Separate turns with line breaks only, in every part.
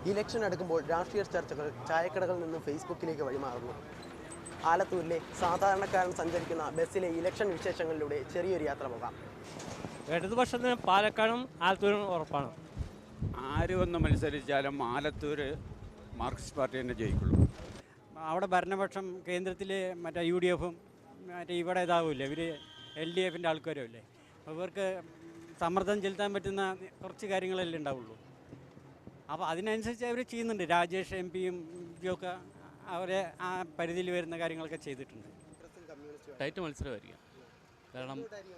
Election അടുക്കുമ്പോൾ രാഷ്ട്രീയ ചർച്ചകൾ ചായക്കടകളിൽ നിന്നും ഫേസ്ബുക്കിലേക്ക് വഴിമാറുന്നു. ആലത്തൂരിലെ സാധാരണക്കാരൻ സഞ്ചരിക്കുന്ന ബസ്സിലെ ഇലക്ഷൻ വിശേഷങ്ങളിലൂടെ ചെറിയൊരു യാത്ര പോകാം.
ഇടതുപക്ഷത്തിന് പാലക്കാടും ആലത്തൂരും ഉറപ്പാണ്.
ആര് വന്ന് മത്സരിച്ചാലും ആലത്തൂർ മാർക്സിസ്റ്റ് പാർട്ടി തന്നെ ജയിക്കുള്ളൂ.
അവിടെ ഭരണപക്ഷം കേന്ദ്രത്തിൽ മറ്റേ UDFും മറ്റേ ഇവിടെ ഇതാവില്ലേ, ഇവർ LDFിൻ്റെ ആൾക്കാരും അല്ലേ. ഇവർക്ക് സമ്മർദ്ദം ചെലുത്താൻ പറ്റുന്ന കുറച്ച് കാര്യങ്ങളല്ലേ ഉണ്ടാവുള്ളൂ. അപ്പോൾ അതിനനുസരിച്ച് അവർ ചെയ്യുന്നുണ്ട്. രാജേഷ് MP-യും ഒക്കെ അവരെ ആ പരിധിയിൽ വരുന്ന കാര്യങ്ങളൊക്കെ ചെയ്തിട്ടുണ്ട്.
ടൈറ്റ് മത്സരമായിരിക്കും. കാരണം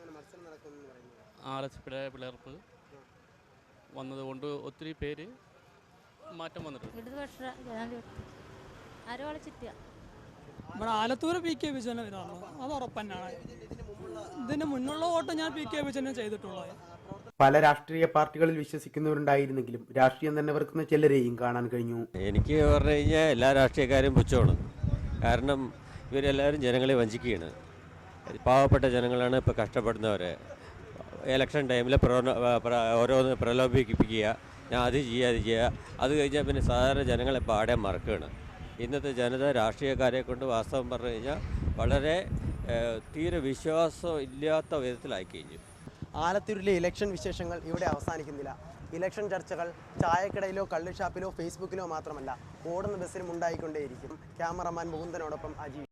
RSPയുടെ പിളർപ്പ് വന്നതുകൊണ്ട് ഒത്തിരി പേര് മാറ്റം വന്നിട്ടുണ്ട്.
നമ്മുടെ ആലത്തൂർ PK വിജയൻ ഇതാണ്, അത് ഉറപ്പന്നാണ്. ഇതിന് മുന്നുള്ള വോട്ട് ഞാൻ PK വിജയനെ ചെയ്തിട്ടുള്ളത്.
പല രാഷ്ട്രീയ പാർട്ടികളിൽ വിശ്വസിക്കുന്നവരുണ്ടായിരുന്നെങ്കിലും രാഷ്ട്രീയം തന്നെ വെറുക്കുന്ന ചിലരെയും കാണാൻ കഴിഞ്ഞു.
എനിക്ക് പറഞ്ഞു കഴിഞ്ഞാൽ എല്ലാ രാഷ്ട്രീയക്കാരും പുച്ഛമാണ്. കാരണം ഇവരെല്ലാവരും ജനങ്ങളെ വഞ്ചിക്കുകയാണ്. പാവപ്പെട്ട ജനങ്ങളാണ് ഇപ്പോൾ കഷ്ടപ്പെടുന്നവരെ. ഇലക്ഷൻ ടൈമിൽ ഓരോന്ന് പ്രലോഭിപ്പിക്കുക, ഞാൻ അത് ചെയ്യുക. അത് കഴിഞ്ഞാൽ പിന്നെ സാധാരണ ജനങ്ങളെ പാടെ മറക്കുകയാണ്. ഇന്നത്തെ ജനത രാഷ്ട്രീയക്കാരെ കൊണ്ട് വാസ്തവം പറഞ്ഞു കഴിഞ്ഞാൽ വളരെ തീരെ വിശ്വാസം ഇല്ലാത്ത വിധത്തിലായി കഴിഞ്ഞു.
ആലത്തൂരിലെ ഇലക്ഷൻ വിശേഷങ്ങൾ ഇവിടെ അവസാനിക്കുന്നില്ല. ഇലക്ഷൻ ചർച്ചകൾ ചായക്കടയിലോ കള്ളുഷാപ്പിലോ ഫേസ്ബുക്കിലോ മാത്രമല്ല, ഓടുന്ന ബസ്സിലും ഉണ്ടായിക്കൊണ്ടേയിരിക്കും. ക്യാമറമാൻ മുകുന്ദനോടൊപ്പം അജി.